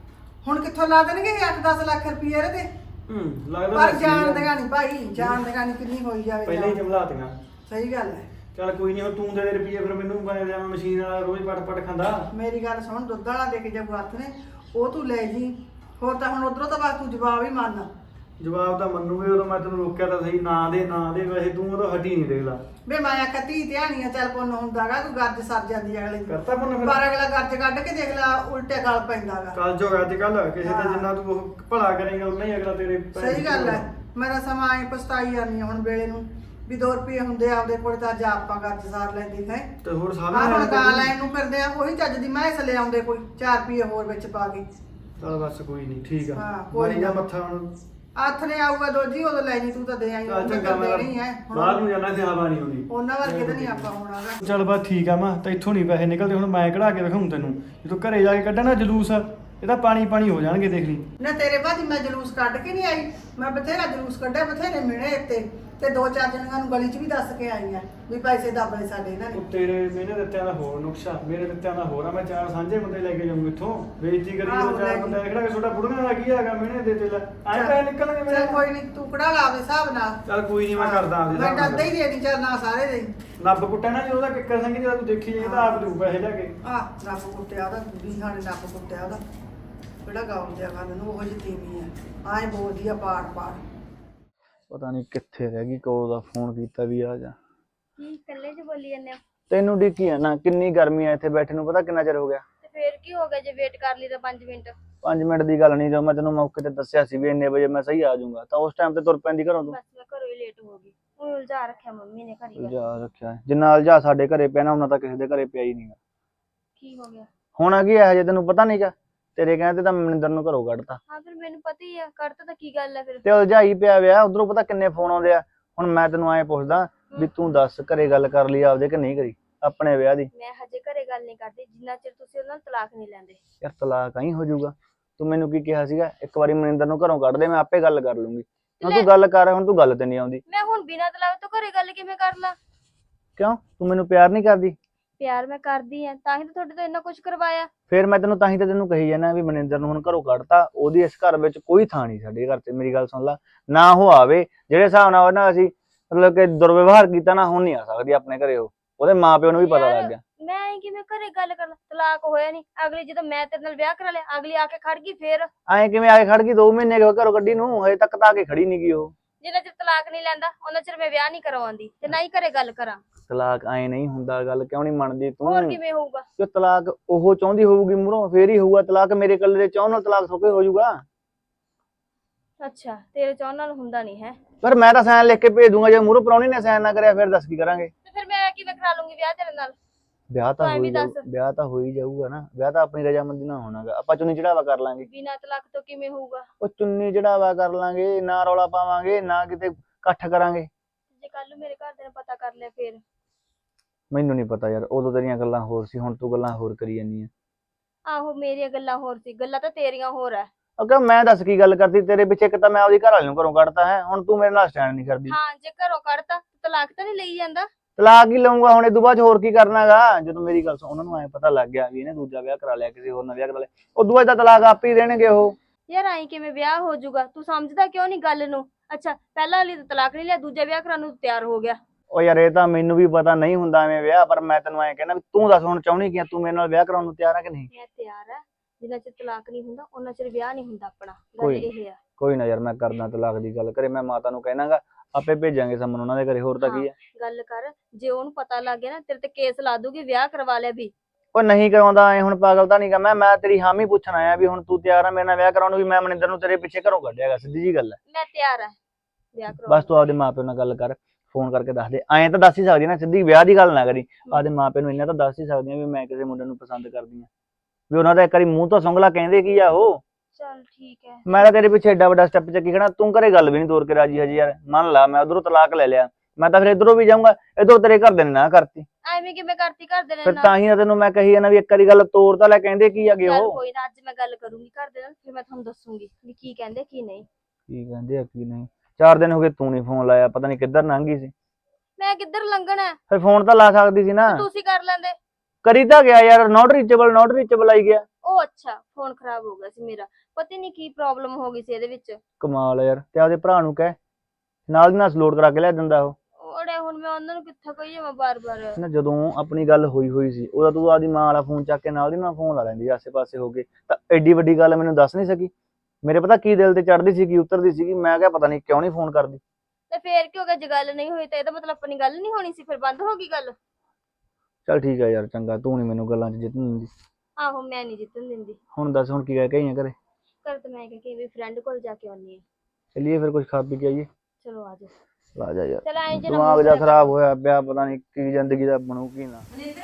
ਹੁਣ ਕਿੱਥੋਂ ਲਾ ਦੇਣਗੇ ਅੱਠ ਦਸ ਲੱਖ ਰੁਪਏ ਇਹਦੇ ਤੇ ਹੂੰ ਲੱਗਦਾ ਪਰ ਤਾਂ ਜਾਣਦੇਗਾ ਨਹੀਂ ਭਾਈ ਜਾਣਦੇਗਾ ਨਹੀਂ ਕਿੰਨੀ ਹੋਈ ਜਾਵੇ ਪਹਿਲਾਂ ਹੀ ਜਾਣ। ਜਮਲਾਤੀਆਂ ਸਹੀ ਗੱਲ ਹੈ ਚੱਲ ਕੋਈ ਨਹੀਂ ਹੁਣ ਤੂੰ ਦੇ ਦੇ ਰੁਪਈਏ ਫਿਰ ਮੈਨੂੰ ਮੈਂ ਜਾਵਾਂ ਮਸ਼ੀਨ ਵਾਲਾ ਰੋਜ਼ ਪਟ ਪਟ ਖਾਂਦਾ ਮੇਰੀ ਗੱਲ ਸੁਣ ਦੁੱਧ ਵਾਲਾ ਦੇ ਕੇ ਜਬ ਹੱਥ ਨੇ ਉਹ ਤੂੰ ਲੈ ਜੀ ਹੋਰ ਤਾਂ ਹੁਣ ਉਧਰੋਂ ਤਾਂ ਬਸ ਤੂੰ ਜਵਾਬ ਹੀ ਮੰਨ ਜਵਾਬ ਤਾਂ ਮੰਨੂਗੇ ਉਦੋਂ ਮੈਂ ਤੈਨੂੰ ਰੋਕਿਆ ਤਾਂ ਸਹੀ ਨਾ ਦੇ ਨਾ ਦੇ ਵੈਸੇ ਤੂੰ ਉਦੋਂ ਹਟੀ ਨਹੀਂ ਦੇਖ ਲਾ ਵੇ ਮਾਇਆ ਕਤੀ ਧਿਆਨੀਆਂ ਚੱਲ ਪੁੰਨ ਹੁੰਦਾਗਾ ਤੂੰ ਗੱਜ ਸਰ ਜਾਂਦੀ ਹੈ ਅਗਲੇ ਦੀ ਕਰਤਾ ਪੁੰਨ ਫਿਰ? ਪਰ ਅਗਲਾ ਗੱਜ ਕੱਢ ਕੇ ਦੇਖ ਲੈ ਉਲਟੇ ਗਲ ਪੈਂਦਾਗਾ ਕੱਲ ਜੋ ਅੱਜ ਕੱਲ ਕਿਸੇ ਦਾ ਹਾਂ। ਜਿੰਨਾ ਤੂੰ ਉਹ ਭਲਾ ਕਰੇਗਾ ਉਨਾ ਹੀ ਅਗਲਾ ਤੇਰੇ ਪੈਰ ਸਹੀ ਗੱਲ ਹੈ ਮੇਰਾ ਸਮਾਂ ਐ ਪਛਤਾਈ ਜਾਂਦੀ ਆ ਹੁਣ ਵੇਲੇ ਨੂੰ ਵੀ ਦੋ ਰੁਪਏ ਹੁੰਦੇ ਆ ਆਪਦੇ ਕੋਲ ਤਾਂ ਅੱਜ ਆਪਾਂ ਗੱਜ ਸਾਰ ਲੈਂਦੇ ਹੈ ਤੇ ਹੋਰ ਆ ਸਾਹਮਣੇ ਹੁਣ ਗਾਂ ਲੈਣ ਨੂੰ ਫਿਰਦੇ ਆ ਉਹੀ ਚੱਜ ਦੀ ਮੈਂ ਲੈ ਆਉਂਦੇ ਕੋਈ ਚਾਰ ਰੁਪਏ ਹੋਰ ਵਿੱਚ ਪਾ ਕੇ ਚੱਲ ਬਸ ਕੋਈ ਨਹੀਂ ਠੀਕ ਆ ਹਾਂ, ਕੋਈ ਮਾਰੀ ਜਾ ਨਾ। ਮੱਥਾ ਹੁਣ ਹੱਥ ਨੇ ਆਊਗਾ ਦੋਜੀ ਉਦੋਂ ਲੈ ਜੀ ਤੂੰ ਤਾਂ ਦੇ ਆਈ ਚੱਲ ਉਹ ਚੰਗਾ ਤਾਂ ਮੈਂ ਦੇਣੀ ਹੈ ਬਾਹਰ ਨੂੰ ਜਾਣਾ ਤੇ ਹਵਾ ਨਹੀਂ ਆਉਂਦੀ ਉਹਨਾਂ ਵਰਗੇ ਤਾਂ ਨਹੀਂ ਆਪਾਂ ਹੋਣਾਗਾ ਚੱਲ ਬਸ ਠੀਕ ਆ ਮੈਂ ਤਾਂ ਇੱਥੋਂ ਨਹੀਂ ਪੈਸੇ ਨਿਕਲਦੇ ਹੁਣ ਮੈਂ ਕਢਾ ਕੇ ਦਿਖਾਉਂ ਤੈਨੂੰ ਜਦੋਂ ਘਰੇ ਜਾ ਕੇ ਕੱਢਣਾ ਜਲੂਸ ਇਹ ਤਾਂ ਪਾਣੀ ਪਾਣੀ ਹੋ ਜਾਣਗੇ ਦੇਖ ਲਈ। ਨਾ ਤੇਰੇ ਬਾਅਦ ਮੈਂ ਜਲੂਸ ਕੱਢ ਕੇ ਨਹੀਂ ਆਈ, ਮੈਂ ਬਥੇਰਾ ਜਲੂਸ ਕੱਢਿਆ, ਬਥੇਰੇ ਮਿਹਣੇ ਇੱਥੇ ਤੇ ਦੋ ਚਾਰ ਜਣਿਆਂ ਨੂੰ ਗਲੀ 'ਚ ਵੀ ਦੱਸ ਕੇ ਆਈ ਆ ਵੀ ਪੈਸੇ ਦੱਬਲੇ ਸਾਡੇ ਇਹਨਾਂ ਨੇ। ਉਹ ਤੇਰੇ ਮੈਨੇ ਦਿੱਤਿਆਂ ਦਾ ਹੋਰ ਨੁਕਸ਼ਾ, ਮੇਰੇ ਦਿੱਤਿਆਂ ਦਾ ਹੋਰ ਆ। ਮੈਂ ਚਾਰ ਸਾਂਝੇ ਬੰਦੇ ਲੈ ਕੇ ਜਾਊਂ ਇੱਥੋਂ, ਬੇਇੱਜ਼ਤੀ ਕਰੀ ਆਹੋ, ਜਦੋਂ ਲੈ ਚਾਰ ਜੀ। ਬੰਦੇ ਖੜਾ ਕੇ ਛੋਟਾ ਬੁੜੀਆਂ ਦਾ ਕੀ ਹੈਗਾ ਮੈਨੇ ਦੇ ਤੇ ਲੈ ਆਏ ਪੈਸੇ ਨਿਕਲਣਗੇ ਮੇਰੇ। ਚੱਲ ਕੋਈ ਨਹੀਂ, ਤੂੰ ਕਢਾ ਲਾ ਆਪਦੇ ਹਿਸਾਬ ਨਾਲ। ਚੱਲ ਕੋਈ ਨਹੀਂ ਮੈਂ ਕਰਦਾ ਆਪਦੇ ਮੈਂ ਹਿਸਾਬ ਨਾਲ। ਡਰਦਾ ਹੀ ਦੇ ਨਹੀਂ ਚੱਲ ਨਾ ਸਾਰੇ ਦੇ। ਨੱਬ ਕੁੱਟਿਆ ਨਾ ਜੀ ਉਹਦਾ ਕਿੱਕਰ ਸਿੰਘ ਜਿਹੜਾ ਤੂੰ ਦੇਖੀ ਜਾਏ ਤਾਂ ਆਪ ਲੂ ਪੈਸੇ ਲੈ ਕੇ। ਆਹ ਨੱਪ ਕੁੱਟਿਆ ਉਹਦਾ, ਵੀ ਹਾਣੇ ਨੱਪ ਕੁੱਟਿਆ ਉਹਦਾ, ਕਿਹੜਾ ਗਾਉਂ ਦਿਆ ਕਰਨ ਨੂੰ ਉਹ ਜਿਹੀ ਤੀਵੀਂ ਆ, ਆਏ ਬੋਲਦੀ ਆ ਪਾੜ ਪਾੜ। ਪਤਾ ਨਹੀਂ ਕਿੱਥੇ ਰਹਿ ਗਈ, ਕਦੋਂ ਦਾ ਫੋਨ ਕੀਤਾ ਵੀ ਆ ਜਾ। ਕੀ ਇਕੱਲੇ ਚ ਬੋਲੀ ਜਾਂਦੇ ਹੋ? ਤੈਨੂੰ ਡਿੱਕੀ ਆ ਨਾ, ਕਿੰਨੀ ਗਰਮੀ ਆ ਇੱਥੇ ਬੈਠੇ ਨੂੰ, ਪਤਾ ਕਿੰਨਾ ਚਿਰ ਹੋ ਗਿਆ। ਤੇ ਫੇਰ ਕੀ ਹੋ ਗਿਆ ਜੇ ਵੇਟ ਕਰ ਲਈ ਤਾਂ ਪੰਜ ਮਿੰਟ? ਪੰਜ ਮਿੰਟ ਦੀ ਗੱਲ ਨਹੀਂ, ਜੋ ਮੈਂ ਤੈਨੂੰ ਮੌਕੇ ਤੇ ਦੱਸਿਆ ਸੀ ਵੀ ਇੰਨੇ ਵਜੇ ਮੈਂ ਸਹੀ ਆ ਜਾਊਂਗਾ, ਤਾਂ ਉਸ ਟਾਈਮ ਤੇ ਤੁਰ ਪੈਂਦੀ ਘਰੋਂ ਤੂੰ। ਬਸ ਮੈਂ ਘਰੋਂ ਹੀ ਲੇਟ ਹੋ ਗਈ। ਉਹ ਉਲਝਾ ਰੱਖਿਆ ਮੰਮੀ ਨੇ ਘਰੀ ਦਾ। ਉਲਝਾ ਰੱਖਿਆ ਹੈ। ਜਿੰਨਾ ਉਲਝਾ ਸਾਡੇ ਘਰੇ ਪਿਆ ਨਾ ਉਹਨਾਂ ਤਾਂ ਕਿਸੇ ਦੇ ਘਰੇ ਪਿਆ ਹੀ ਨਹੀਂਗਾ। ਕੀ ਹੋ ਗਿਆ? ਹੋਣਾ ਕੀ ਹੈ, ਹਜੇ ਤੈਨੂੰ ਪਤਾ ਨਹੀਂਗਾ। ਤੇਰੇ ਕਹਿੰਦੇ ਤਾਂ ਮਨਿੰਦਰ ਨੂੰ ਘਰੋਂ ਕੱਢਤਾ ਹਾਂ ਫਿਰ ਮੈਨੂੰ ਪਤਾ ਹੀ ਆ, ਕਰਤਾ ਤਾਂ ਕੀ ਗੱਲ ਹੈ ਫਿਰ? ਤੇ ਉਲਝਾਈ ਪਿਆ ਵਿਆ। ਉਧਰੋਂ ਪਤਾ ਕਿੰਨੇ ਫੋਨ ਆਉਂਦੇ ਆ। ਹੁਣ ਮੈਂ ਤੈਨੂੰ ਐਂ ਪੁੱਛਦਾ ਵੀ ਤੂੰ ਦੱਸ, ਘਰੇ ਗੱਲ ਕਰ ਲਈ ਆਪਦੇ ਕਿ ਨਹੀਂ ਕਰੀ ਆਪਣੇ ਵਿਆਹ ਦੀ? ਮੈਂ ਹਜੇ ਘਰੇ ਗੱਲ ਨਹੀਂ ਕਰਦੀ ਜਿੰਨਾ ਚਿਰ ਤੁਸੀਂ ਉਹਨਾਂ ਨੂੰ ਤਲਾਕ ਨਹੀਂ ਲੈਂਦੇ। ਯਾਰ ਤਲਾਕ ਆਈ ਹੋ ਜਾਊਗਾ। ਤੂੰ ਮੈਨੂੰ ਕੀ ਕਿਹਾ ਸੀਗਾ, ਇੱਕ ਵਾਰੀ ਮਨਿੰਦਰ ਨੂੰ ਘਰੋਂ ਕੱਢ ਦੇ, ਮੈਂ ਆਪੇ ਗੱਲ ਕਰ ਲੂੰਗੀ। ਹੁਣ ਤੂੰ ਗੱਲ ਕਰ, ਹੁਣ ਤੂੰ ਗੱਲ ਤੇ ਨਹੀਂ ਆਉਂਦੀ। ਮੈਂ ਹੁਣ ਬਿਨਾਂ ਤਲਾਕ ਤੋਂ ਘਰੇ ਗੱਲ ਕਿਵੇਂ ਕਰ ਲਾਂ? ਕਿਉਂ, ਤੂੰ ਮੈਨੂੰ ਪਿਆਰ ਨਹੀਂ ਕਰਦੀ? ਪਿਆਰ ਮੈਂ ਕਰਦੀ ਆ, ਤਾਂ ਹੀ ਤਾਂ ਤੁਹਾਡੇ ਤੋਂ ਇੰਨਾ ਕੁਝ ਕਰਵਾਇਆ। ਫਿਰ ਮੈਂ ਤੈਨੂੰ ਤਾਂ ਹੀ ਤਾਂ ਤੈਨੂੰ ਕਹੀ ਜਾਣਾ ਵੀ ਮਨਿੰਦਰ ਨੂੰ ਹੁਣ ਘਰੋਂ ਕੱਢਤਾ, ਉਹਦੀ ਇਸ ਘਰ ਵਿੱਚ ਕੋਈ ਥਾਂ ਨਹੀਂ ਸਾਡੇ ਘਰ ਤੇ। ਮੇਰੀ ਗੱਲ ਸੁਣ ਲੈ, ਨਾ ਉਹ ਆਵੇ। ਜਿਹੜੇ ਹਿਸਾਬ ਨਾਲ ਉਹਨਾਂ ਅਸੀਂ ਮਤਲਬ ਕਿ ਦੁਰਵਿਵਹਾਰ ਕੀਤਾ ਨਾ, ਹੁਣ ਨਹੀਂ ਆ ਸਕਦੀ ਆਪਣੇ ਘਰੇ ਉਹ। ਉਹਦੇ ਮਾਪਿਓ ਨੂੰ ਵੀ ਪਤਾ ਲੱਗ ਗਿਆ। ਮੈਂ ਐਂ ਕਿਵੇਂ ਘਰੇ ਗੱਲ ਕਰ ਲਾਂ? ਤਲਾਕ ਹੋਇਆ ਨਹੀਂ, ਅਗਲੀ ਜਦੋਂ ਮੈਂ ਤੇਰੇ ਨਾਲ ਵਿਆਹ ਕਰਾ ਲਿਆ ਅਗਲੀ ਆ ਕੇ ਖੜ ਗਈ। ਫੇਰ ਐਂ ਕਿਵੇਂ ਆ ਕੇ ਖੜ ਗਈ? ਦੋ ਮਹੀਨੇ ਹੋ ਗਏ ਘਰੋਂ ਕੱਢੀ ਨੂੰ, ਹਜੇ ਤੱਕ ਤਾਂ ਆ ਕੇ ਖੜੀ ਨਹੀਂ ਗਈ ਉਹ। ਜਿੰਨਾ ਚਿਰ ਤਲਾਕ ਨਹੀਂ ਲੈਂਦਾ ਉਹਨਾਂ ਚਿਰ ਮੈਂ ਵਿਆਹ ਨਹੀਂ ਕਰਵਾਉਂਦੀ ਤੇ ਨਾ ਹੀ ਘਰੇ ਗੱਲ ਕਰਾਂ। ਤਲਾਕ ਐਂ ਨਹੀਂ ਹੁੰਦਾ, ਗੱਲ ਕਿਉਂ ਨਹੀਂ ਮੰਨਦੀ ਤੂੰ? ਹੋਰ ਕਿਵੇਂ ਹੋਊਗਾ? ਕਿ ਤਲਾਕ ਉਹ ਚਾਹੁੰਦੀ ਹੋਊਗੀ ਮੂਹਰੋਂ, ਫੇਰ ਹੀ ਹੋਊਗਾ ਤਲਾਕ। ਮੇਰੇ ਇਕੱਲੇ ਦੇ ਚਾਹੁਣ ਨਾਲ ਤਲਾਕ ਥੋਕੇ ਹੋ ਜਾਊਗਾ? ਅੱਛਾ ਤੇਰੇ ਚਾਹੁਣ ਨਾਲ ਹੁੰਦਾ ਨਹੀਂ ਹੈ? ਪਰ ਮੈਂ ਤਾਂ ਸਾਈਨ ਲਿਖ ਕੇ ਭੇਜ ਦੂੰਗਾ, ਜੇ ਮੂਹਰੋਂ ਪ੍ਰਾਹੁਣੀ ਨੇ ਸਾਈਨ ਨਾ ਕਰਿਆ ਫਿਰ ਦੱਸ ਕੀ ਕਰਾਂਗੇ? ਤੇ ਫਿਰ ਮੈਂ ਕਿਵੇਂ ਕਰਾ ਲੂੰਗੀ ਵਿਆਹ ਤੇਰੇ ਨਾਲ? ਵਿਆਹ ਤਾਂ ਤੂੰ ਐਂ ਹੋ ਵੀ ਹੀ ਦੱਸ। ਜਾਊ, ਵਿਆਹ ਤਾਂ ਹੋ ਹੀ ਜਾਊਗਾ ਨਾ। ਵਿਆਹ ਤਾਂ ਆਪਣੀ ਰਜਾਮੰਦੀ ਨਾਲ ਹੋਣਾਗਾ, ਆਪਾਂ ਚੁੰਨੀ ਚੜਾਵਾ ਕਰ ਲਾਂਗੇ। ਬਿਨਾਂ ਤਲਾਕ ਤੋਂ ਕਿਵੇਂ ਹੋਊਗਾ? ਉਹ ਚੁੰਨੀ ਚੜਾਵਾ ਕਰ ਲਾਂਗੇ, ਨਾ ਰੌਲਾ ਪਾਵਾਂਗੇ, ਨਾ ਕਿਤੇ ਇਕੱਠ ਕਰਾਂਗੇ। ਜੇ ਕੱਲ ਨੂੰ ਮੇਰੇ ਘਰ ਨੇ ਪਤਾ ਕਰ ਲਿਆ ਫਿਰ? ਮੈਨੂੰ ਨਹੀਂ ਪਤਾ ਯਾਰ, ਉਦੋਂ ਤੇਰੀਆਂ ਗੱਲਾਂ ਹੋਰ ਸੀ, ਹੁਣ ਤੂੰ ਗੱਲਾਂ ਹੋਰ ਕਰੀ ਜਾਂਦੀ ਆ। ਆਹੋ ਮੇਰੀਆਂ ਗੱਲਾਂ ਹੋਰ ਸੀ, ਗੱਲਾਂ ਤਾਂ ਤੇਰੀਆਂ ਹੋਰ ਆ। ਅਗਰ ਮੈਂ ਦੱਸ ਕੀ ਗੱਲ ਕਰਤੀ ਤੇਰੇ ਪਿੱਛੇ? ਇੱਕ ਤਾਂ ਮੈਂ ਆਪਦੀ ਘਰ ਵਾਲੀ ਨੂੰ ਘਰੋਂ ਕੱਢਤਾ ਹੈ, ਹੁਣ ਤੂੰ ਮੇਰੇ ਨਾਲ ਸਟੈਂਡ ਨਹੀਂ ਕਰਦੀ। ਹਾਂ ਜੇ ਘਰੋਂ ਕੱਢਤਾ ਤਲਾਕ ਤਾਂ ਨਹੀਂ ਲਈ ਜਾਂਦਾ? ਤਲਾਕ ਹੀ ਲਊਂਗਾ ਹੁਣ, ਇਹ ਤੋਂ ਬਾਅਦ ਹੋਰ ਕੀ ਕਰਨਾਗਾ? ਜਦੋਂ ਮੇਰੀ ਗੱਲ ਸੁਣ, ਉਹਨਾਂ ਨੂੰ ਐ ਪਤਾ ਲੱਗ ਗਿਆ ਵੀ ਇਹਨੇ ਦੂਜਾ ਵਿਆਹ ਕਰਾ ਲਿਆ, ਕਿਸੇ ਹੋਰ ਨਾਲ ਵਿਆਹ ਕਰਾ ਲਿਆ, ਉਦੋਂ ਬਾਅਦ ਤਾਂ ਤਲਾਕ ਆਪ ਹੀ ਦੇਣਗੇ ਉਹ। ਯਾਰ ਆਈ ਕਿਵੇਂ ਵਿਆਹ ਹੋ ਜਾਊਗਾ? ਤੂੰ ਸਮਝਦਾ ਕਿਉਂ ਨਹੀਂ ਗੱਲ ਨੂੰ? ਅੱਛਾ ਪਹਿਲਾਂ ਵਾਲੀ ਤਾਂ ਤਲਾਕ ਨਹੀਂ ਲਿਆ, ਦੂਜਾ ਵਿਆਹ ਕਰਾਉਣ ਨੂੰ ਤਿਆਰ ਹੋ ਗਿਆ। ਉਹ ਯਾਰ ਇਹ ਤਾਂ ਮੈਨੂੰ ਵੀ ਪਤਾ ਨਹੀਂ ਹੁੰਦਾ ਐਵੇਂ ਵਿਆਹ, ਪਰ ਮੈਂ ਤੈਨੂੰ ਐਂ ਕਹਿਣਾ ਵੀ ਤੂੰ ਦੱਸ ਹੁਣ ਚਾਹੁੰਦੀ ਕੀ ਆ? ਤੂੰ ਮੇਰੇ ਨਾਲ ਵਿਆਹ ਕਰਾਉਣ ਨੂੰ ਤਿਆਰ ਆ ਕਿ ਨਹੀਂ? ਮੈਂ ਤਿਆਰ ਆ, ਜਿੰਨਾ ਚਿਰ ਤਲਾਕ ਨਹੀਂ ਹੁੰਦਾ ਉਹਨਾਂ ਚਿਰ ਵਿਆਹ ਨਹੀਂ ਹੁੰਦਾ ਆਪਣਾ। ਗੱਲ ਕੋਈ ਇਹ ਆ। ਕੋਈ ਨਾ ਯਾਰ, ਮੈਂ ਕਰਦਾ ਤਲਾਕ ਦੀ ਗੱਲ। ਕਰੇ ਮੈਂ ਮਾਤਾ ਨੂੰ ਕਹਿਣਾਗਾ, ਆਪੇ ਭੇਜਾਂਗੇ ਸਮਨ ਉਹਨਾਂ ਦੇ ਘਰੇ, ਹੋਰ ਤਾਂ ਕੀ ਆ। ਗੱਲ ਕਰ, ਜੇ ਉਹਨੂੰ ਪਤਾ ਲੱਗ ਗਿਆ ਨਾ ਤੇਰੇ ਤੇ ਕੇਸ ਲਾ ਦੂਗੀ ਵਿਆਹ ਕਰਵਾ ਲਿਆ ਵੀ। ਉਹ ਨਹੀਂ ਕਰਾਉਂਦਾ ਐ, ਹੁਣ ਪਾਗਲ ਤਾਂ ਨਹੀਂ ਗਾ ਮੈਂ। ਮੈਂ ਤੇਰੀ ਹਾਮੀ ਪੁੱਛਣ ਆਇਆ ਵੀ ਹੁਣ ਤੂੰ ਤਿਆਰ ਆ ਮੇਰੇ ਨਾਲ ਵਿਆਹ ਕਰਾਉਣ ਨੂੰ? ਵੀ ਮੈਂ ਮਨਿੰਦਰ ਨੂੰ ਤੇਰੇ ਪਿੱਛੇ ਘਰੋਂ ਕੱਢਿਆਗਾ, ਸਿੱਧੀ ਜੀ ਗੱਲ ਹੈ। ਮੈਂ ਤਿਆਰ ਆ ਵਿਆਹ ਕਰਵਾ। ਬਸ ਤੂੰ ਆਪਦੇ ਮਾਪਿਓ ਨਾਲ ਗੱਲ ਕਰ, ਫੋਨ ਕਰਕੇ ਦੱਸ ਦੇ। ਐਂ ਤਾਂ ਦੱਸ ਹੀ ਸਕਦੀ ਨਾ, ਸਿੱਧੀ ਵਿਆਹ ਦੀ ਗੱਲ ਨਾ ਕਰੀ। ਆਪਦੇ ਮਾਪਿਓ ਨੂੰ ਇੰਨਾ ਤਾਂ ਦੱਸ ਹੀ ਸਕਦੀ ਆ ਵੀ ਮੈਂ ਕਿਸੇ ਮੁੰਡੇ ਨੂੰ ਪਸੰਦ ਕਰਦੀ ਆ, ਵੀ ਉਹਨਾਂ ਦਾ ਇੱਕ ਵਾਰੀ ਮੂੰਹ ਤੋਂ ਸੁੰਗਲਾ ਕਹਿੰਦੇ ਕੀ ਆ ਉਹ। ਚੱਲ ਠੀਕ ਹੈ। ਮੈਂ ਤਾਂ ਤੇਰੇ ਪਿੱਛੇ ਐਡਾ ਵੱਡਾ ਸਟੈਪ ਚੱਕੀ ਖੜਾ, ਤੂੰ ਘਰੇ ਗੱਲ ਵੀ ਨਹੀਂ ਤੋਰ ਕੇ ਰਾਜੀ ਹਜੇ ਯਾਰ। ਮੰਨ ਲਾ ਮੈਂ ਉਧਰੋਂ ਤਲਾਕ ਲੈ ਲਿਆ, ਮੈਂ ਤਾਂ ਫਿਰ ਇਧਰੋਂ ਵੀ ਜਾਊਂਗਾ, ਇਧਰੋਂ ਤੇਰੇ ਘਰ ਦੇ ਨੇ ਨਾ ਕਰਤੀ, ਐਵੇਂ ਕਿਵੇਂ ਕਰਤੀ ਘਰ ਦੇ ਫਿਰ ਨਾਲ? ਤਾਂ ਹੀ ਤਾਂ ਤੈਨੂੰ ਮੈਂ ਕਹੀ ਜਾਂਦਾ ਵੀ ਇੱਕ ਵਾਰੀ ਗੱਲ ਤੋਰ ਤਾਂ ਲੈ, ਕਹਿੰਦੇ ਕੀ ਆਗੇ ਚੱਲ ਉਹ। ਕੋਈ ਨਾ, ਅੱਜ ਮੈਂ ਗੱਲ ਕਰੂੰਗੀ ਘਰ ਦੇ ਨਾਲ, ਫਿਰ ਮੈਂ ਤੁਹਾਨੂੰ ਦੱਸੂਗੀ ਵੀ ਕੀ ਕਹਿੰਦੇ ਕੀ ਨਹੀਂ। ਕੀ ਕਹਿੰਦੇ ਆ ਕੀ ਨਹੀਂ। ਚਾਰ ਦਿਨ ਹੋ ਗਏ ਤੂੰ ਨਹੀਂ ਫੋਨ ਲਾਇਆ, ਪਤਾ ਨਹੀਂ ਕਿੱਧਰ ਲੰਘ ਗਈ ਸੀ। ਮੈਂ ਕਿੱਧਰ ਲੰਘਣਾ? ਫਿਰ ਫੋਨ ਤਾਂ ਲਾ ਸਕਦੀ ਸੀ ਨਾ। ਤੁਸੀਂ ਕਰ ਲੈਂਦੇ। ਕਰੀ ਤਾਂ ਗਿਆ ਯਾਰ, ਨੋਟ ਰੀਚੇਬਲ ਨੋਟ ਰੀਚੇਬਲ ਆਈ ਗਿਆ। ਉਹ ਅੱਛਾ ਫੋਨ ਖਰਾਬ ਹੋ ਗਿਆ ਸੀ ਮੇਰਾ, ਪਤਾ ਨਹੀਂ ਕੀ ਪ੍ਰੋਬਲਮ ਹੋ ਗਈ ਸੀ ਇਹਦੇ ਵਿੱਚ। ਕਮਾਲ ਆ ਯਾਰ। ਤੇ ਆਪਦੇ ਭਰਾ ਨੂੰ ਕਹਿ, ਨਾਲ ਦੀ ਨਾਲ ਲੋਡ ਕਰਾ ਕੇ ਲਿਆ ਦਿੰਦਾ ਉਹ। ਉਹੜੇ ਹੁਣ ਮੈਂ ਉਹਨਾਂ ਨੂੰ ਕਿੱਥੇ ਕਹੀਏ ਮੈਂ ਬਾਰ-ਬਾਰ। ਨਾ ਜਦੋਂ ਆਪਣੀ ਗੱਲ ਹੋਈ ਹੋਈ ਸੀ, ਉਹਦਾ ਤੂੰ ਆਪਦੀ ਮਾਂ ਵਾਲਾ ਫੋਨ ਚੱਕ ਕੇ ਨਾਲ ਦੀ ਨਾਲ ਫੋਨ ਲਾ ਲੈਂਦੀ ਆਸੇ ਪਾਸੇ ਹੋ ਗਏ, ਤਾਂ ਐਡੀ ਵੱਡੀ ਗੱਲ ਮੈਨੂੰ ਦੱਸ ਨਹੀਂ ਸਕੀ। ਮੇਰੇ ਪਤਾ ਕੀ ਦਿਲ ਤੇ ਚੜਦੀ ਸੀ, ਕੀ ਉਤਰਦੀ ਸੀਗੀ, ਮੈਂ ਕਿਹਾ ਪਤਾ ਨਹੀਂ ਕਿਉਂ ਨਹੀਂ ਫੋਨ ਕਰਦੀ। ਤੇ ਫੇਰ ਕੀ ਹੋ ਗਿਆ? ਜੇ ਗੱਲ ਨਹੀਂ ਹੋਈ ਤਾਂ ਇਹਦਾ ਮਤਲਬ ਆਪਣੀ ਗੱਲ ਨਹੀਂ ਹੋਣੀ ਸੀ, ਫਿਰ ਬੰਦ ਹੋ ਗਈ ਗੱਲ। ਚੱਲ ਠੀਕ ਆ ਯਾਰ, ਚੰਗਾ, ਤੂੰ ਨਹੀਂ ਮੈਨੂੰ ਗੱਲਾਂ 'ਚ ਜਿੱਤਣ ਦਿੰਦੀ। ਆਹੋ ਮੈਂ ਨਹੀਂ ਜਿੱਤਣ ਦਿੰਦੀ। ਹੁਣ ਦੱਸ ਹੁਣ ਕੀ ਕਹਿ ਕਹੀਆਂ ਘਰੇ? ਕਰ ਤੇ ਮੈਂ ਕਿ ਵੀ ਫਰੈਂਡ ਕੋਲ ਜਾ ਕੇ ਆਉਣੀ ਹੈ। ਚੱਲੀਏ ਫਿਰ ਕੁਝ ਖਾ ਪੀ ਕੇ ਆਈਏ। ਚਲੋ ਆ ਜਾ। ਆ ਜਾ ਯਾਰ, ਚਲ ਐਂ ਜੇ ਦਿਮਾਗ ਜਿਹਾ ਖਰਾਬ ਹੋਇਆ ਪਿਆ, ਪਤਾ ਨਹੀਂ ਕੀ ਜ਼ਿੰਦਗੀ ਦਾ ਬਣੂ ਕੀ ਨਾ। ਮਨਿੰਦਰ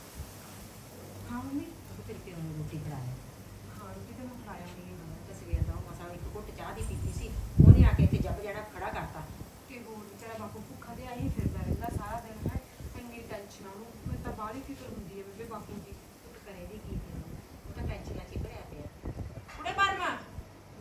ਹਾਂ ਮੰਮੀ ਤੇਰੇ ਪਿਓ ਨੂੰ ਰੋਟੀ ਖੜਾਇਆ। ਹਾਂ ਰੋਟੀ ਤਾਂ ਮੈਂ ਖੜਾਇਆ ਨਹੀਂ, ਤਾਂ ਸਵੇਰ ਦਾ ਮਸਾਂ ਇੱਕ ਘੁੱਟ ਚਾਹ ਦੀ ਪੀਤੀ ਸੀ, ਉਹਨੇ ਆ ਕੇ ਇੱਥੇ ਜੱਬ ਜਿਹੜਾ ਖੜਾ ਕਰਤਾ। ਤੇ ਹੋਰ ਵਿਚਾਰਾ ਬਾਪੂ ਭੁੱਖਾ ਤੇ ਆਹੀ ਫਿਰਦਾ ਰਹਿੰਦਾ ਸਾਰਾ ਦਿਨ ਹੈ, ਇੰਨੀ ਟੈਨਸ਼ਨ ਉਹਨੂੰ। ਮੈਨੂੰ ਤਾਂ ਬਾਹਲੀ ਫਿਕਰ ਹੁੰਦੀ ਹੈ ਬੇਬੇ ਬਾਪੂ ਦੀ। ਤੂੰ ਕਰੇ ਵੀ ਕੀ ਕਰੇ, ਉਹ ਤਾਂ ਟੈਨਸ਼ਨਾਂ 'ਚ ਹੀ ਭਰਿਆ ਪਿਆ।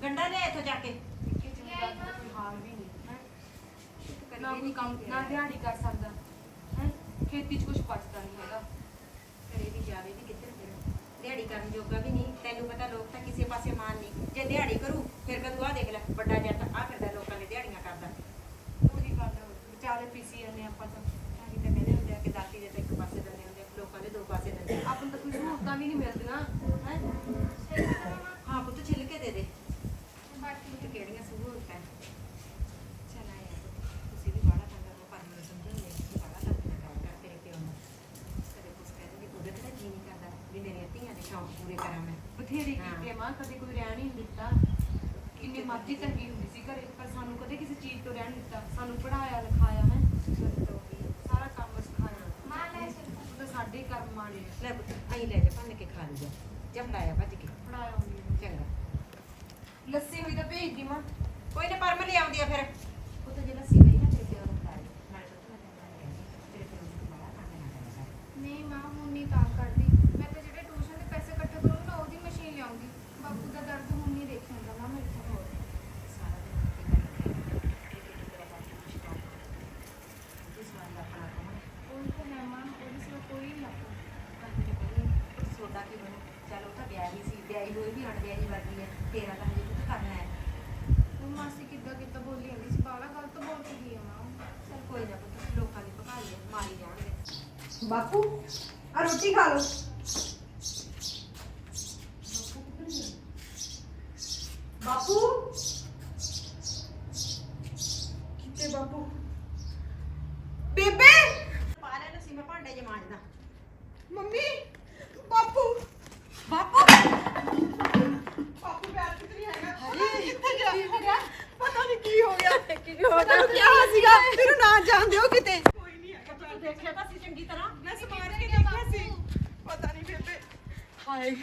ਗੰਡਾ ਲੈ ਇੱਥੋਂ ਜਾ ਕੇ ਹਾਲ ਵੀ ਨਹੀਂ ਹੈ ਨਾ ਕੋਈ ਕੰਮ ਨਾ ਦਿਹਾੜੀ ਕਰ ਸਕਦਾ ਹੈ ਖੇਤੀ 'ਚ ਕੁਝ ਬਚਦਾ ਨਹੀਂ ਹੈਗਾ ਕਰੇ ਵੀ ਜਾਵੇ ਵੀ ਕਿੱਧਰ ਫਿਰ ਦਿਹਾੜੀ ਕਰਨ ਜੋਗਾ ਵੀ ਨਹੀਂ ਤੈਨੂੰ ਪਤਾ ਲੋਕ ਤਾਂ ਕਿਸੇ ਪਾਸੇ ਮਾਨ ਨਹੀਂ ਜੇ ਦਿਹਾੜੀ ਕਰੂ ਫਿਰ ਕਦੂ ਆ ਦੇਖ ਲੈ ਵੱਡਾ ਜੱਟ ਆ ਫਿਰਦਾ ਲੋਕਾਂ ਨੇ ਦਿਹਾੜੀਆਂ ਕਰਦਾ ਉਹੀ ਗੱਲ ਵਿਚਾਰੇ ਪੀਸੀ ਜਾਂਦੇ ਆਪਾਂ ਤਾਂ ਤਾਂ ਹੀ ਤਾਂ ਕਹਿੰਦੇ ਹੁੰਦੇ ਆ ਕਿ ਦਾਤੀ ਦੇ ਤਾਂ ਇੱਕ ਪਾਸੇ ਦਿੰਦੇ ਹੁੰਦੇ ਆ, ਲੋਕਾਂ ਦੇ ਦੋ ਪਾਸੇ ਦਿੰਦੇ ਆ। ਆਪਾਂ ਨੂੰ ਤਾਂ ਕੋਈ ਸਹੂਲਤਾਂ ਵੀ ਨਹੀਂ ਮਿਲਦੀਆਂ ਹੈ ਹਾਂ ਪੁੱਤ ਛਿੱਲ ਕੇ ਦੇ ਦੇ ਬਾਕੀ ਤੇ ਕਿਹੜੀਆਂ ਸਹੂਲਤਾਂ ਚਲ ਆਇਆ ਤੁਸੀਂ ਵੀ ਬਾਹਲਾ ਤੰਗ ਕਰੋ ਪਰ ਮੈਨੂੰ ਸਮਝਾਉਂਦੇ ਕਿ ਬਾਹਲਾ ਤੰਗ ਨਾ ਕਰ ਕਰ ਤੇਰੇ ਪਿਓ ਨੂੰ ਕਦੇ ਕੁਛ ਕਹਿੰਦੇ ਉਹਦੇ ਤੇ ਜੀ ਨਹੀਂ ਕਰਦਾ ਵੀ ਮੇਰੀਆਂ ਧੀਆਂ ਦੇ ਸ਼ੌਂਕ ਪੂਰੇ ਕਰਾਂ ਮੈਂ ਬਥੇਰੇ ਹਾਂ। ਕੀਤੇ ਮਾਂ ਕਦੇ ਕੋਈ ਰਹਿਣ ਹੀ ਨਹੀਂ ਦਿੱਤਾ ਕਿੰਨੀ ਮਰਜ਼ੀ ਚੰਗੀ ਹੁੰਦੀ ਸੀ ਘਰੇ ਪਰ ਸਾਨੂੰ ਕਦੇ ਕਿਸੇ ਚੀਜ਼ ਤੋਂ ਰਹਿਣ ਨਹੀਂ ਦਿੱਤਾ ਸਾਨੂੰ ਪੜਾਇਆ ਲਿਖਾਇਆ ਹੈ ਸਾਰਾ ਕੰਮ ਸਿਖਾਇਆ ਉਹ ਤਾਂ ਸਾਡੇ ਹੀ ਕਰਮ ਮਾੜੇ ਆ। ਲੈ ਪੁੱਤ ਆਈ ਲੈ ਜਾ ਭੰਨ ਕੇ ਖਾ ਲਈ ਜਾ ਜਾ ਫੜਾਇਆ ਭੱਜ ਕੇ ਪੜਾਇਆ ਹੁੰਦੀ ਚੰਗਾ ਲੱਸੀ ਹੋਈ ਤਾਂ ਭੇਜ ਦੀ ਮਾਂ ਕੋਈ ਨਾ ਪਰਮ ਲੈ ਆਉਂਦੀ ਆ ਫਿਰ ਉਹ ਤਾਂ ਜਿਹੜਾ ਸੀ ਗਈ ਨਾ ਤੇਰੇ ਪਿਓ ਨੂੰ ਖਾ ਲਈ ਨਾਲੇ ਪੁੱਤ ਮੈਂ ਤੈਨੂੰ ਗੱਲ ਕਹਿੰਦੀ ਤੇਰੇ ਪਿਓ ਨੂੰ ਬਾਹਲਾ ਤੰਗ ਨਾ ਕਰਿਆ ਕਰ ਨਹੀਂ ਮਾਂ ਹੁਣ ਨਹੀਂ ਤਾਂ ਕਰਦੀ ਮੈਂ ਤਾਂ ਜਿਹੜੇ ਟਿਊਸ਼ਨ ਦੇ ਪੈਸੇ ਇਕੱਠੇ ਕਰੂੰਗੀ ਨਾ ਉਹਦੀ ਮਸ਼ੀਨ ਲਿਆਉਂਗੀ ਬਾਪੂ ਦਾ ਦਰਦ ਹੁਣ ਨਹੀਂ ਦੇਖਿਆ ਜਾਂਦਾ ਮੈਂ ਇੱਥੇ ਹੋਰ ਸਾਰਾ ਦਿਨ ਕੀ ਕਰਦੀ ਹੈ ਇਹ ਤੇਰਾ ਬਾਪ ਕੁਛ ਕੰਮ ਜਿਸ ਵਾਰ ਦਾ ਆਪਣਾ ਕੰਮ ਉਹ ਤਾਂ ਹੈ ਮਾਂ ਉਹਦੇ ਸਿਵਾ ਕੋਈ ਨਹੀਂ ਆਪਣਾ ਕੰਨ ਤੇ ਕਹਿੰਦੀ ਸੋਡਾ ਕੀ ਬਣੂ ਚਲ ਉਹ ਤਾਂ ਵਿਆਹੀ ਸੀ ਵਿਆਹੀ ਹੋਈ ਵੀ ਅਣਵਿਆਹੀ ਵਰਗੀ ਹੈ ਤੇਰਾ ਤਾਂ ਹਜੇ ਕੁਝ ਕਰਨਾ ਹੈ ਉਹ ਮਾਸੀ ਕਿੱਦਾਂ ਕਿੱਦਾਂ ਬੋਲੀ ਜਾਂਦੀ ਸੀ ਬਾਲਾ ਗਲਤ ਬੋਲ ਕੇ ਗਈ ਆ ਮਾਂ ਚਲ ਕੋਈ ਨਾ ਪੁੱਤ ਲੋਕਾਂ ਦੀ ਭਕਾਈ ਹੈ ਮਾਰੀ ਜਾਣਗੇ ਬਾਪੂ ਆ ਰੋਟੀ ਖਾ ਲਓ ਬਾਪੂ ਕਿਤੇ ਬਾਪੂ ਬੇਬੇ ਪਾ ਲੈ ਸੀ ਮੈਂ ਭਾਂਡੇ ਜੇ ਮਾਂਜਦਾ ਮੰਮੀ ਬਾਪੂ ਬਾਪੂ ਬਾਪੂ ਬੈਠ ਕਿੱਥੇ ਨਹੀਂ ਹੈਗਾ ਹਰੇ ਕਿੱਥੇ ਗਿਆ ਹੋ ਗਿਆ ਪਤਾ ਨਹੀਂ ਕੀ ਹੋ ਗਿਆ ਕੀ ਹੋ ਗਿਆ ਕੀ ਸੀਗਾ ਤੈਨੂੰ ਨਾ ਜਾਣਦੇ ਹੋ ਕਿਤੇ ਕੋਈ ਨਹੀਂ ਹੈਗਾ ਤੂੰ ਦੇਖਿਆ ਤਾਂ ਸੀ ਚੰਗੀ ਤਰ੍ਹਾਂ ਮੈਂ ਸਮਾਰ ਕੇ ਦੇਖਿਆ ਸੀ ਪਤਾ ਨਹੀਂ ਬੇਬੇ ਹਾਏ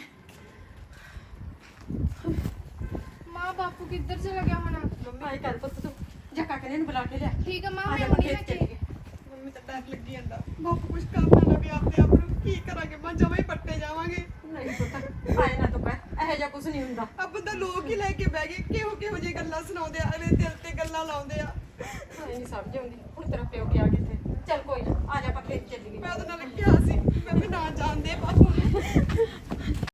ਮਾਂ ਬਾਪੂ ਕਿੱਧਰ ਚਲਾ ਗਿਆ ਹੁਣ ਮੰਮੀ ਆਈ ਕਰ ਪੁੱਤ ਤੂੰ ਜਾ ਕਾਕੇ ਨੇ ਨੂੰ ਬੁਲਾ ਕੇ ਲਿਆ ਠੀਕ ਆ ਮਾਂ ਆ ਮੈਂ ਜਾ ਹੁਣੀ ਖੇਤ ਮੈਂ ਚੱਲੀਏ ਮੰਮੀ ਤਾਂ ਡਰ ਲੱਗੀ ਜਾਂਦਾ ਬਾਪੂ ਕੁਝ ਕਰਨਾ ਲੱਗੇ ਆਪਣੇ ਆਪ ਨੂੰ ਕੀ ਕਰਾਂਗੇ ਮੈਂ ਜਮਾਂ ਹੀ ਪੱਟੇ ਜਾਵਾਂਗੇ ਨਹੀਂ ਪੁੱਤ ਆਏ ਨਾ ਤੂੰ ਕਹਿ ਇਹੋ ਜਿਹਾ ਕੁਝ ਨਹੀਂ ਹੁੰਦਾ ਆ ਬੰਦਾ ਲੋਕ ਹੀ ਲੈ ਕੇ ਬਹਿ ਗਏ ਕਿਹੋ ਕਿਹੋ ਜਿਹੀ ਗੱਲਾਂ ਸੁਣਾਉਂਦੇ ਆ ਅਰੇ ਦਿਲ ਤੇ ਗੱਲਾਂ ਲਾਉਂਦੇ ਆ ਹਾਏ ਨਹੀਂ ਸਮਝ ਆਉਂਦੀ ਹੁਣ ਤੇਰਾ ਪਿਓ ਗਿਆ ਕਿੱਥੇ ਚੱਲ ਕੋਈ ਨਾ ਆ ਜਾ ਆਪਾਂ ਖੇਤ ਚੱਲੀਏ ਮੈਂ ਉਹਦੇ ਨਾਲ ਕਿਹਾ ਸੀ ਮੈਂ ਵੀ ਨਾ ਜਾਣਦੇ ਬਾਪੂ